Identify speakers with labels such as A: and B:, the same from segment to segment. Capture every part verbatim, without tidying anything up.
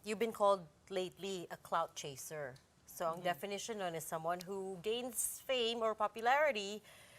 A: you've been called lately a clout chaser. So ang definition nun is someone who gains fame or popularity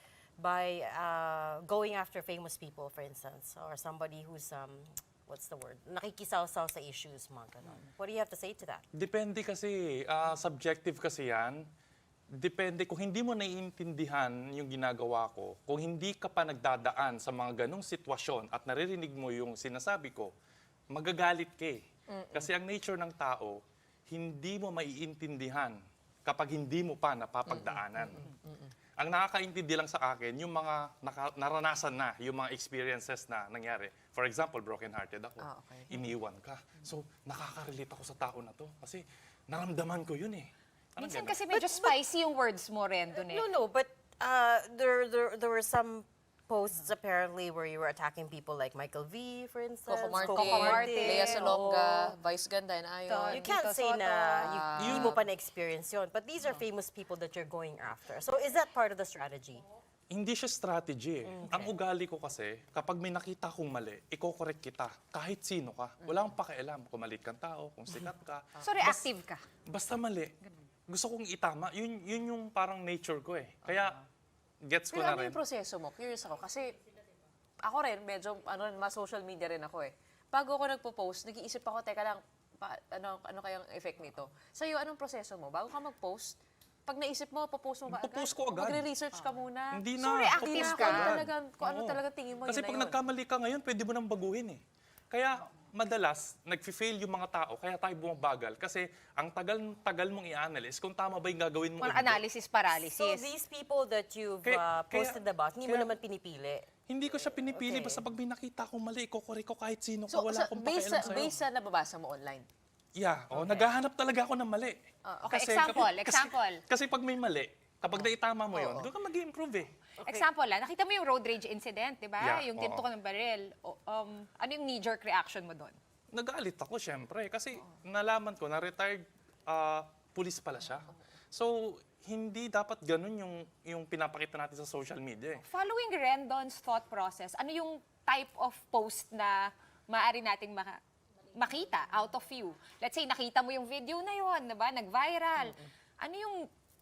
A: by uh, going after famous people, for instance, or somebody who's, um, what's the word, nakikisaw-saw sa issues, mga ganon. What do you have to say to that?
B: Depende kasi, ah, subjective kasi yan. Depende kung hindi mo naiintindihan yung ginagawa ko, kung hindi ka pa nagdadaan sa mga ganong sitwasyon at naririnig mo yung sinasabi ko, magagalit ka eh. Kasi ang nature ng tao, hindi mo maiintindihan kapag hindi mo pa napapagdaanan. Ang nakakaintindi lang sa akin, yung mga naka- naranasan na, yung mga experiences na nangyari. For example, broken-hearted ako.
C: Ah, okay.
B: Iniwan ka. So, nakaka-relate ako sa tao na to. Kasi naramdaman ko yun eh. Parang
D: Minsan
B: ganun.
D: kasi medyo spicy yung words mo rin dun eh.
A: No, no, but uh, there, there, there were some posts apparently where you were attacking people like Michael V, for instance.
C: Coco Martin,
D: Coco Martin,
C: Lea Salonga,
A: oo.
C: Vice Ganda, and Ayon.
A: You can't
D: Tito
A: say
D: Soto.
A: na you, hindi mo pa na-experience yun. But these are famous people that you're going after. So is that part of the strategy?
B: Hindi siya strategy eh. Ang ugali ko kasi, kapag may nakita kong mali, iko-correct kita. Kahit sino ka. Wala akong pakialam kung malit kang tao, kung sikat ka.
D: So reactive ka.
B: Basta mali. Gusto kong itama. Yun, yun yung parang nature ko eh. Kaya, gets ko
C: Pero
B: na
C: ano
B: rin.
C: yung proseso mo? Curious ako. Kasi ako rin, medyo, ano, mas social media rin ako eh. Bago ako nagpo-post, nag-iisip ako, teka lang, pa, ano, ano kayang effect nito? Sa'yo, anong proseso mo? Bago ka mag-post, pag naisip mo, popost mo ba agad?
B: Popost ko agad.
C: Magre-research ka muna.
B: Hindi na.
D: So, reactive
C: Hindi na
D: ka.
C: kung ano talaga, kung ano
B: Oo.
C: talaga tingin mo,
B: Kasi
C: yun na
B: pag
C: yun.
B: nagkamali ka ngayon, pwede mo nang baguhin eh. Kaya madalas, nag-fail yung mga tao, kaya tayo bumabagal. Kasi ang tagal-tagal mong i-analyze kung tama ba yung gagawin mo. o
D: Kung
B: hindi.
D: analysis paralysis.
A: So these people that you've
B: Kaya-
A: uh, posted
B: kaya-
A: about, hindi mo
B: kaya-
A: naman pinipili.
B: Hindi ko siya pinipili,
A: Okay.
B: basta pag may nakita akong mali, iko-correct ko kahit sino
C: So,
B: ka, wala
C: sa,
B: akong
C: based,
B: pakialam
C: sa,
B: sa'yo.
C: based sa nababasa mo online.
B: Yeah, oh, naghahanap talaga ako ng mali.
D: Ah, okay, example, example.
B: Kasi, kasi pag may mali, kapag naitama mo yun, doon ka mag-improve eh.
D: Example lang, nakita mo yung road rage incident, di ba?
B: Yeah,
D: Yung
B: oo.
D: tinto ko ng baril. O, um, ano yung knee-jerk reaction mo doon?
B: Nagalit ako, syempre. Kasi nalaman ko na retired ah, police pala siya. So, hindi dapat ganun yung, yung pinapakita natin sa social media eh.
D: Following Rendon's thought process, ano yung type of post na maaari nating maka- makita out of you? Let's say, nakita mo yung video na yun, diba? Nag-viral. Ano yung,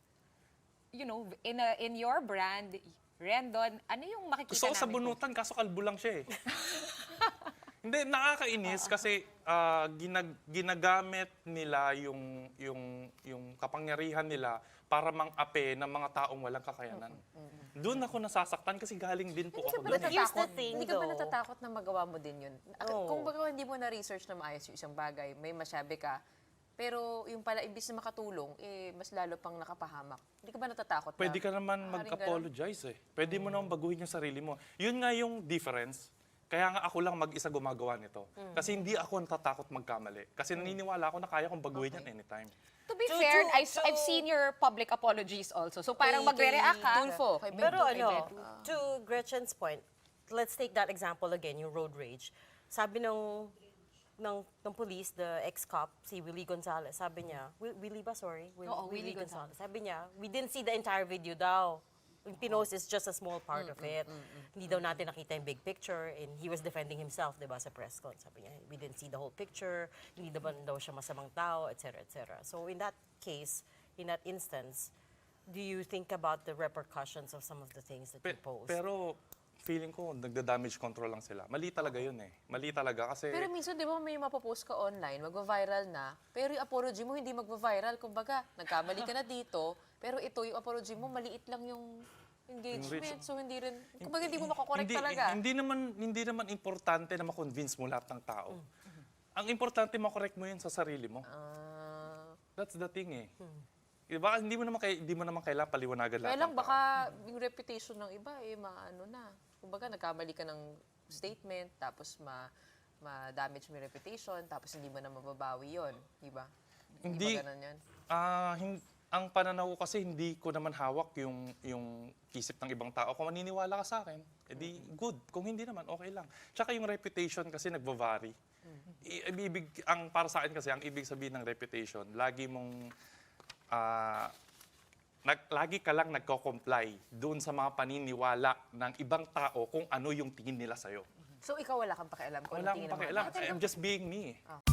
D: you know, in, a, in your brand, Rendon, ano yung makikita
B: Gusto ko sa
D: namin?
B: bunutan, kaso kalbo lang siya eh. Hindi, nakakainis kasi ah, ginag- ginagamit nila yung, yung, yung kapangyarihan nila para mang-ape ng mga taong walang kakayanan. Doon ako nasasaktan kasi galing din po
C: Hindi ka
B: ako
C: ba
B: doon. eh.
A: Here's the
C: natatakot?
A: thing,
C: Hindi ka ba
A: though.
C: natatakot na magawa mo din yun? Ak-
A: Oo.
C: Kung baga hindi mo na-research na maayos yung isang bagay, may masyabi ka, pero yung pala, imbis na makatulong, eh, mas lalo pang nakapahamak. Hindi ka ba natatakot
B: Pwede
C: na?
B: ka naman
C: maaaring
B: mag-apologize eh. Pwede mo naman baguhin yung sarili mo. Yun nga yung difference. Kaya nga ako lang mag-isa gumagawa nito. Kasi hindi ako natatakot magkamali. Kasi naniniwala ako na kaya kong baguhin yan anytime.
D: To be
A: To-
D: fair,
A: to-
D: I, I've
A: to-
D: seen your public apologies also. So parang
A: Kay-
D: magre-react ka.
C: Tulfo, kay
A: Pero
C: Beto, kay
A: ano,
C: Beto.
A: to Gretchen's point, let's take that example again, yung road rage. Sabi ng ng, ng police, the ex-cop, si Willie Gonzalez, sabi niya, Wi- Willie ba, sorry? Will-
D: Oo, Willie Gonzalez.
A: Sabi niya, we didn't see the entire video daw. Yung pinost is just a small part of it. Hindi daw natin nakita yung big picture, and he was defending himself, di ba, sa press con. Sabi niya, we didn't see the whole picture, hindi naman daw siya masamang tao, et cetera, et cetera. So in that case, in that instance, do you think about the repercussions of some of the things that you
B: Pe-
A: post?
B: pero feeling ko, nagda-damage control lang sila. Mali talaga yun eh. Mali talaga kasi...
C: Pero minsan, di ba, may mapopost ka online, magva-viral na, pero yung apology mo hindi magva-viral. Kumbaga, nagkamali ka na dito, pero ito, yung apology mo, maliit lang yung engagement. So, hindi rin, kumbaga, hindi mo makakorek
B: hindi,
C: talaga.
B: Hindi naman, hindi naman importante na makonvince mo lahat ng tao. Ang importante, makorek mo yun sa sarili mo.
C: Ah,
B: That's the thing eh. Diba, hindi mo naman, kay, hindi mo naman kailangan paliwanagan lahat
C: kaya lang,
B: ng tao.
C: baka yung reputation ng iba, eh, maano na. Kumbaga, nagkamali ka ng statement, tapos ma ma-damage mo yung reputation, tapos hindi mo na mababawi yun. Di ba?
B: Hindi.
C: ba ganun yun?
B: Ah, hin- ang pananaw ko kasi hindi ko naman hawak yung yung isip ng ibang tao. Kung maniniwala ka sa akin, edi good. Kung hindi naman, okay lang. Tsaka yung reputation kasi nagva-vary. I- ibig, ang para sa akin kasi, ang ibig sabihin ng reputation, lagi mong ah, nag, lagi ka lang nagko-comply doon sa mga paniniwala ng ibang tao kung ano yung tingin nila sa'yo.
C: So, ikaw wala kang pakialam kung
B: Wala
C: ano
B: akong
C: tingin ng mga
B: pakialam. I'm just being me.
C: tao.